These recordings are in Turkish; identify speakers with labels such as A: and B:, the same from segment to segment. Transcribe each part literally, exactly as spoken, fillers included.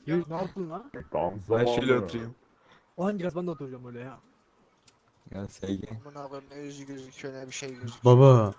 A: Reis ne yaptın lan?
B: Tam
C: Ben şöyle
B: zamanı.
C: oturayım.
A: O hangi biraz ben de oturacağım öyle ya.
C: Gel sevgi.
D: Amına koyayım ne yüzü gözüküyor ne bir şey gözüküyor.
E: Baba.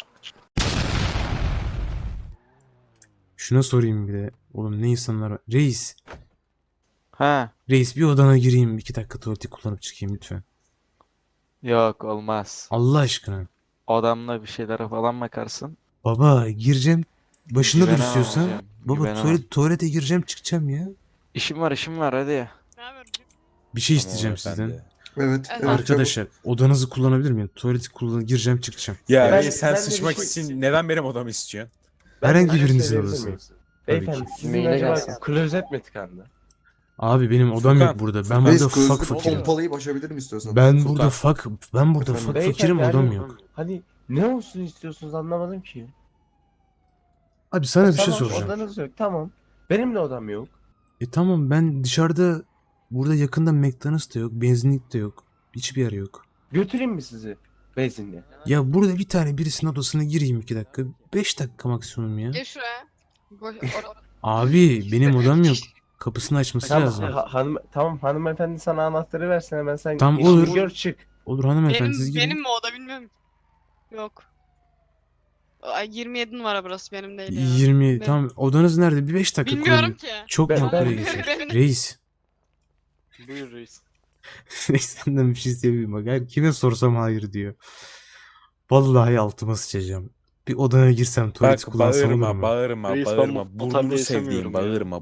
E: Şuna sorayım bir de. Oğlum ne insanlar var. Reis.
C: Ha,
E: Reis bir odana gireyim. iki dakika tuvaleti kullanıp çıkayım lütfen.
C: yok olmaz.
E: Allah aşkına.
C: Odamda bir şeylere falan bakarsın.
E: Baba gireceğim. Başında dur
C: Güvenemem
E: istiyorsan.
C: hocam,
E: Baba
C: güvenemem.
E: tuvalet, tuvalete gireceğim çıkacağım ya.
C: İşim var işim var hadi.
F: Ne haber?
E: Bir şey
B: Tamam
E: isteyeceğim
B: efendi.
E: sizden.
G: Evet, evet.
E: Arkadaşlar odanızı kullanabilir miyim? Tuvaleti kullan gireceğim çıkacağım.
B: Ya
G: Ben-
B: reis sen
G: ben de bir
B: sıçmak
G: şey-
B: için neden benim odamı istiyorsun?
E: Herhangi
G: Ben de
E: birinizin
G: söyleyebilir
E: odası.
G: miyim?
E: Tabii
G: Beyefendi
E: ki.
G: sizin
H: Maile
G: acaba
H: gelsin.
G: klozet mi tıkandı?
E: Abi benim odam
B: Furkan,
E: yok burada. Ben
G: Reis
E: burada
G: klozeti
E: fak fakirim.
G: pompalayıp açabilirim istiyorsan.
E: Ben
B: Furkan.
E: burada fak ben burada
G: Efendim,
E: fak
G: beyefendi,
E: fakirim odam
G: hani-
E: yok.
G: Hani ne olsun istiyorsunuz anlamadım ki.
E: Abi sana bir şey
G: Tamam,
E: soracağım.
G: odanız yok tamam. Benim de odam yok.
E: E tamam ben dışarıda burada yakında McDonald's da yok, benzinlik de yok. Hiçbir yer yok.
G: Götüreyim mi sizi benzinliğe?
E: Ya burada bir tane birisinin odasına gireyim iki dakika. Beş dakika maksimum ya.
F: Gel şuraya. Boş, or-
E: Abi benim odam yok. Kapısını açması
G: Tamam,
E: lazım.
G: ha- hanım, tamam hanımefendi sana anahtarı versin hemen sen
E: Tamam,
G: işini
E: olur.
G: gör çık.
E: Olur hanımefendi
F: benim,
E: siz girin.
F: benim mi o da bilmiyorum. Yok. Ay, yirmi yedi numara burası benim değil ya.
E: yirmi
F: Benim-
E: tamam odanız nerede? Bir beş dakika
F: Bilmiyorum
E: kullanın.
F: ki.
E: Çok
G: Ben-
E: makbule
G: ben-
E: geçer.
F: Benim-
E: Reis.
C: Buyur reis.
E: Reis senden bir şey isteyebilirim bak. Her kime sorsam hayır diyor. Vallahi altıma sıçacağım. Bir odana girsem tuvaleti
B: Bak
E: kullansam olur
B: bağırma
E: mu?
B: bağırma
C: Reis, ben
B: bağırma.
C: bu- bu tarzda
B: Burnunu
C: yaşamıyorum
B: sevdiğim
C: ya.
B: bağırma.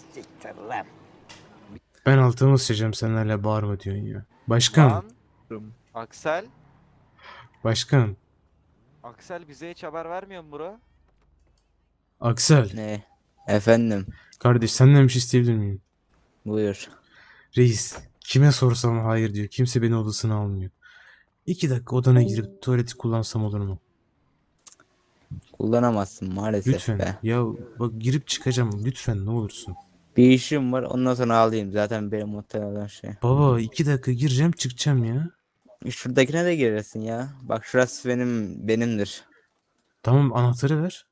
E: Ben altıma sıçacağım sen hala bağırma diyorsun ya. Başkan.
C: Lan. Aksel.
E: Başkan.
C: Aksel bize hiç haber vermiyor mu bro?
E: Aksel.
H: Ne? Efendim,
E: Kardeş senden bir şey isteyebilir miyim?
H: buyur.
E: Reis. Kime sorsam hayır diyor. Kimse beni odasına almıyor. İki dakika odana girip tuvaleti kullansam olur mu?
H: Kullanamazsın maalesef
E: Lütfen.
H: be.
E: Ya bak girip çıkacağım. Lütfen ne olursun.
H: Bir işim var ondan sonra alayım. Zaten benim muhtemelen şey.
E: Baba iki dakika gireceğim çıkacağım ya.
H: Şuradakine de girersin ya. Bak şurası benim benimdir.
E: Tamam anahtarı ver.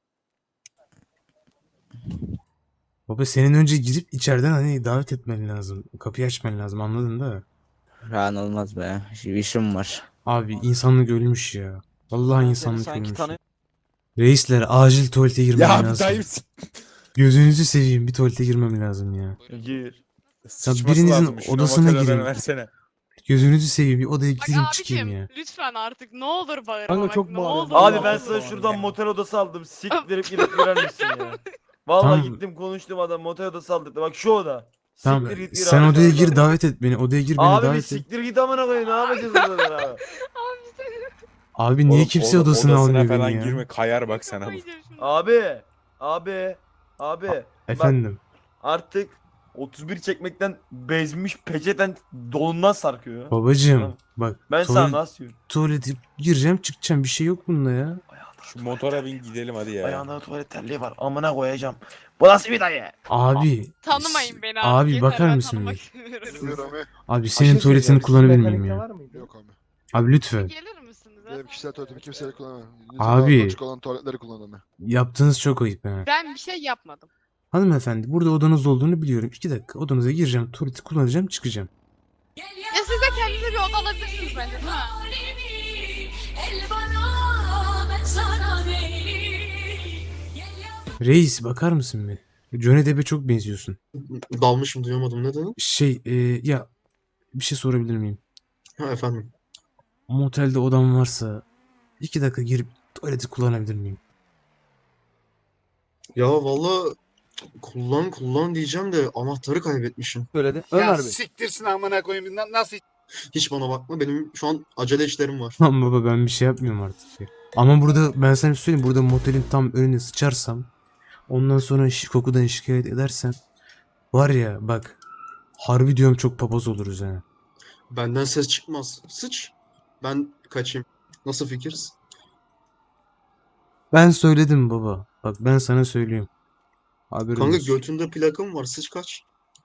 E: Baba senin önce girip içeriden hani davet etmen lazım. Kapıyı açman lazım anladın da.
H: Rahat olmaz be. Bir işim var.
E: Abi insanlık ölmüş ya. Vallahi
C: Seni
E: insanlık
C: sanki
E: ölmüş.
C: tanı-
E: Reisler acil tuvalete girmem
B: Ya bir
E: lazım.
B: dayım
E: Gözünüzü seveyim bir tuvalete girmem lazım ya.
C: Gir.
B: sıçması
E: birinizin
B: lazım. Şuna
E: odasına
B: motel
E: girin.
B: odanı versene.
E: Gözünüzü seveyim bir odaya
F: Bak
E: gireyim çıkayım
F: abicim
E: ya.
F: lütfen artık ne olur bağırma
A: Kanka
F: bak,
A: çok
F: ne
A: bağırıyorsun.
F: olur.
I: Abi
F: ne
I: ben
F: olur.
I: sana şuradan motel odası aldım. Siktirip gidip girer misin ya? Vallahi
E: Tamam.
I: gittim konuştum adam motel odası aldık. Bak şu oda.
E: Tamam
I: Siktir git gir
E: sen
I: abi
E: odaya
I: şu
E: gir
I: odadan.
E: davet et beni. Odaya gir beni
I: Abi bir
E: davet et.
I: siktir git amına koyayım ne yapacağız orada abi?
E: Abi niye
B: Oğlum,
E: kimse
B: oda-
E: odasına
B: odasına
E: almıyor
B: falan
E: beni ya?
B: girme kayar bak sana bu.
F: Kafayı yiyeceğim şimdi.
I: Abi. Abi. Abi. Bak
E: Efendim.
I: artık otuz bir çekmekten bezmiş peçeten donundan sarkıyor.
E: Babacığım
I: Tamam.
E: bak
I: Ben
E: tuvalet-
I: sana nasıl diyorum?
E: tuvalete gireceğim çıkacağım bir şey yok bunda ya.
B: Şu motora bin gidelim hadi ya.
I: Ayağında tuvalet terliği var amına koyacağım. Bu nasıl bir dayı?
E: Abi.
F: Tanımayın beni abi.
E: Abi
F: yeter,
E: bakar
F: ben
E: mısın
F: tanımak
E: bir?
F: istemiyorum.
D: Bilmiyorum abi.
E: Abi
G: Bir
E: senin
G: şey
E: tuvaletini
G: söyleyeceğim,
E: kullanabilir
G: sizin
E: miyim
G: mekanikte
E: ya?
G: var mıydı?
D: Yok abi.
E: Abi lütfen.
F: Gelir misiniz? ha?
D: Benim kişisel tuvaletimi kimseyle kullanamam.
E: Abi.
D: İnsanlar açık olan tuvaletleri kullanamam.
E: Yaptığınız çok ayıp ha.
F: Ben bir şey yapmadım.
E: Hanımefendi burada odanız olduğunu biliyorum. İki dakika odanıza gireceğim tuvaleti kullanacağım çıkacağım.
F: Ya siz de kendinize bir oda alabilirsiniz bence değil mi?
E: Reis bakar mısın bir? Johnny Depp'e çok benziyorsun.
G: Dalmışım duyamadım ne dedin?
E: Şey e, ya bir şey sorabilir miyim?
G: Ha efendim.
E: Motelde odam varsa iki dakika girip tuvaleti kullanabilir miyim?
G: Ya valla kullan kullan diyeceğim de anahtarı kaybetmişim.
A: Söyledi. Ömer Bey.
J: Siktirsin amına koyayım. Na- Nasıl
G: Hiç bana bakma benim şu an acele işlerim var.
E: Lan baba ben bir şey yapmıyorum artık ya. Ama burada ben sana bir şey söyleyeyim. Burada motelin tam önüne sıçarsam ondan sonra şi- kokudan şikayet edersen var ya bak harbi diyorum çok papaz oluruz ha.
G: Benden ses çıkmaz. Sıç. Ben kaçayım. Nasıl fikir?
E: Ben söyledim baba. Bak ben sana söylüyorum. Haberin
G: Kanka
E: olsun.
G: götünde plakam var. Sıç kaç.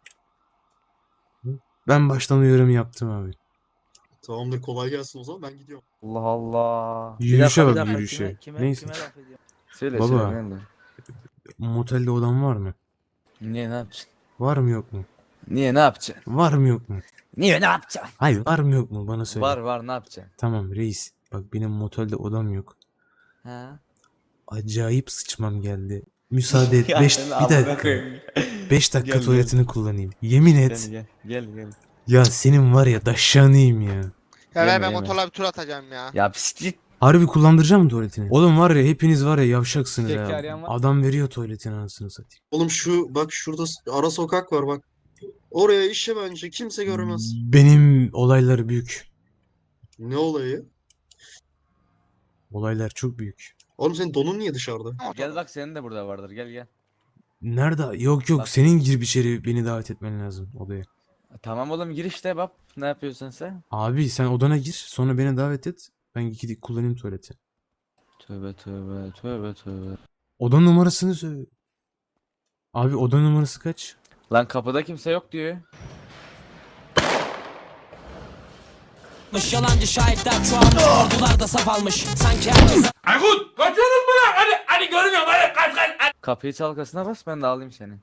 E: Ben baştan uyarımı yaptım abi.
G: Tamamdır kolay gelsin o zaman ben gidiyorum.
I: Allah Allah.
E: Yürüyüşe bak yürüyüşe. Neyse.
C: Söyle
E: Baba.
C: söyle. ben de.
E: Motelde odam var mı?
H: Ne ne yapacaksın?
E: Var mı yok mu?
I: Niye ne yapacaksın?
E: Var mı yok mu?
I: Niye ne yapacaksın?
E: Hayır var mı yok mu bana söyle.
I: Var var ne yapacaksın?
E: Tamam reis. Bak benim motelde odam yok.
I: Ha?
E: Acayip sıçmam geldi. Müsaade et.
I: Ya
E: beş
I: sen
E: bir
I: amına
E: dakika.
I: koyayım.
E: beş dakika
I: Gel, gel.
E: tuvaletini kullanayım. Yemin
I: Gel
E: et.
I: gel gel gel.
E: Ya senin var ya daşşanıyım ya.
D: Ya
I: Yeme,
D: ver ben
I: yeme.
D: motorla bir tur atacağım ya.
I: Ya psikik.
E: Harbi kullandıracağım mı tuvaletini? Oğlum var ya hepiniz var ya yavşaksınız
I: Tek
E: ya.
I: arayan var.
E: Adam veriyor tuvaletin anasını satayım.
G: Oğlum şu bak şurada s- ara sokak var bak. Oraya işe bence kimse görmez.
E: Benim olaylar büyük.
G: Ne olayı?
E: Olaylar çok büyük.
G: Oğlum senin donun niye dışarıda?
I: Gel bak senin de burada vardır gel gel.
E: Nerede? Yok yok
I: Bak.
E: senin girip içeri beni davet etmen lazım odaya.
I: Tamam oğlum gir işte bak. Ne yapıyorsun sen?
E: Abi sen odana gir sonra beni davet et. Ben gidip kullanayım tuvaleti.
I: Tövbe tövbe tövbe tövbe.
E: Oda numarasını söyle. Abi oda numarası kaç?
I: Lan kapıda kimse yok diyor.
K: Yalancı şahitler çoğalmış, ordular da saf almış. Sanki herkes
J: Aykut kaçıyorsunuz mu lan? Hadi hadi görmüyorum hadi kaç kaç.
I: Kapıyı çalkasına bas ben de alayım seni.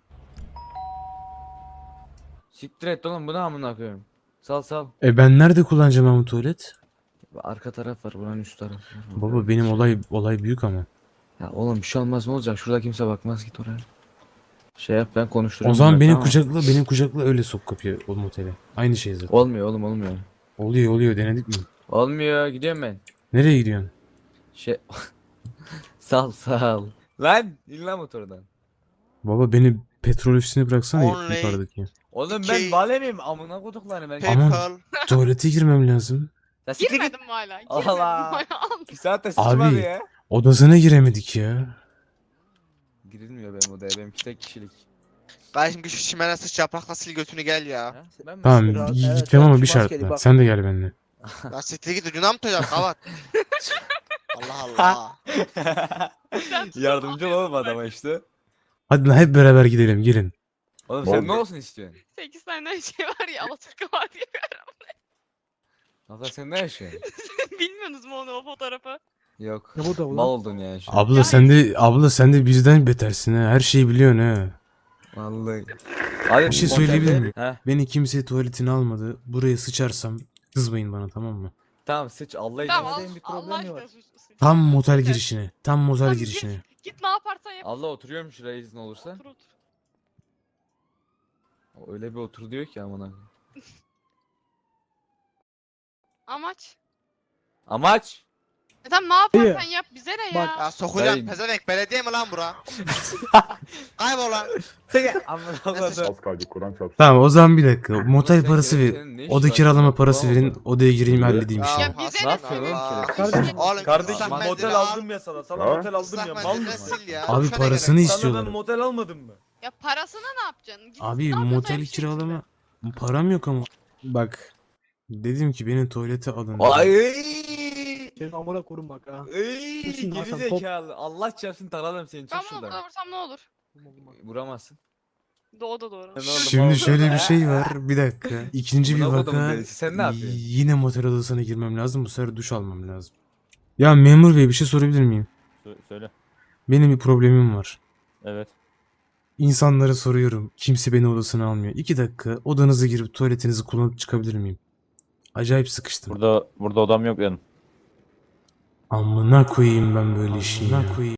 I: Siktir et oğlum bu ne amına koyayım. Sal sal.
E: E ben nerede kullanacağım ama tuvalet?
I: Arka taraf var buranın üst tarafı. var.
E: Baba benim olay olay büyük ama.
I: Ya oğlum bir şey olmaz ne olacak şurada kimse bakmaz git oraya. Şey yap ben konuştururum.
E: O zaman
I: bunları,
E: beni
I: tamam mı?
E: kucakla, beni kucakla öyle sok kapıya o motele. Aynı şey zaten.
I: Olmuyor oğlum olmuyor.
E: Oluyor oluyor denedik mi?
I: Olmuyor gidiyorum ben.
E: Nereye gidiyorsun?
I: Şey sal sal. Lan in lan motordan.
E: Baba beni petrol ofisine bıraksana
D: Only
E: yukarıdaki.
I: Oğlum
D: İki-
I: ben bale miyim amına koduklarını ben.
E: Aman.
D: PayPal.
E: Tuvalete girmem lazım.
I: Ya siktir git.
F: Girmedim mi hala? Girmedim
I: Allah.
F: hala.
I: Bir saatte sıçmadı
E: Abi.
I: ya.
E: Odasına giremedik ya.
I: Girilmiyor benim odaya benimki tek kişilik.
D: Kardeşim şu çimene sıç yaprakla sil götünü gel ya.
I: Ha? Ben mi
E: Tamam
I: sıkıyorum?
A: Biraz-
E: gi-
A: evet,
E: gideceğim
A: evet,
E: ama bir
A: şu maskeli
E: şartla.
A: bak.
E: Sen de gel benimle.
D: Ya siktir git ucuna mı tutacağım kavat? Allah Allah.
I: Yardımcı olalım adama işte.
E: Hadi lan hep beraber gidelim gelin.
I: Oğlum sen ne olsun istiyorsun?
F: sekiz tane şey var ya Alaturka var diye.
I: Hatta sen ne yaşıyorsun?
F: Bilmiyorsunuz mu onu o fotoğrafı?
I: Yok.
A: Ne bu da ulan?
I: Mal oldun yani şu an.
E: Abla sen de abla sen de bizden betersin ha. Her şeyi biliyorsun ha.
I: Vallahi. Hadi
E: Bir şey söyleyebilir miyim?
I: He.
E: Beni kimse tuvaletine almadı. Buraya sıçarsam kızmayın bana tamam mı?
I: Tamam sıç Allah için.
F: Tamam
I: Hadi.
F: al, Allah aşkına sus. sus.
E: Tam motel
F: Lütfen.
E: girişine. Tam motel
F: Tamam,
E: girişine.
F: Git, git ne yaparsan yap.
I: Allah oturuyorum şuraya izin olursa.
F: Otur otur.
I: Öyle bir otur diyor ki amına.
F: Amaç.
I: Amaç.
F: E tamam ne yaparsan yap bize ne ya?
A: Bak,
D: Ya sokacağım
I: Dayı-
D: pezevenk belediye mi lan bura? Kaybol lan.
I: Seni amına koyayım.
J: kaldı Kur'an çarpsın.
E: Tamam o zaman bir dakika. Motel
I: sen
E: parası
I: gel,
E: ver.
I: senin ne işin
E: Oda
I: var?
E: kiralama parası
I: Bravo.
E: verin. Odaya gireyim halledeyim işi.
F: Ya bize
D: Hasan
I: ne yapıyorsun oğlum
D: Allah.
I: ki?
A: Kardeşim,
D: Oğlum,
I: Kardeşim
D: ıslak
I: motel
D: mendili al,
I: aldım ya sana. Sana
J: Ha?
I: motel aldım
D: ıslak
I: ya. Mal
D: mendili
I: mısın?
D: sil ya.
E: Abi
D: Şöyle
E: parasını
D: gerek.
I: Sana
E: istiyorlar.
I: ben motel almadım mı?
F: Ya parasını ne yapacaksın? Git,
E: Abi
F: ne yapacaksın
E: motel
F: her şey
E: kiralama param yok ama. Bak. Dedim ki beni tuvalete alın. dedim.
I: Ay.
A: Senin amına korum bak ha.
I: Ey,
A: Kesin
I: geri
A: Hasan, top-
I: zekalı. Allah çarpsın taradım seni. Çık
F: Ben bunu
I: şuradan.
F: okula vursam ne olur?
I: Vuramazsın.
F: Do da doğru.
I: Ben oğlum,
E: Şimdi
I: oğlum.
E: şöyle bir şey var. Bir dakika. İkinci bir
I: Buna kodum
E: vaka.
I: delisi, sen ne yapıyorsun?
E: Yine motel odasına girmem lazım. Bu sefer duş almam lazım. Ya memur bey bir şey sorabilir miyim?
B: Söyle.
E: Benim bir problemim var.
B: Evet.
E: İnsanlara soruyorum. Kimse beni odasına almıyor. İki dakika odanıza girip tuvaletinizi kullanıp çıkabilir miyim? Acayip sıkıştım.
B: Burada burada odam yok yani.
E: Amına koyayım ben böyle işi. Amına koyayım.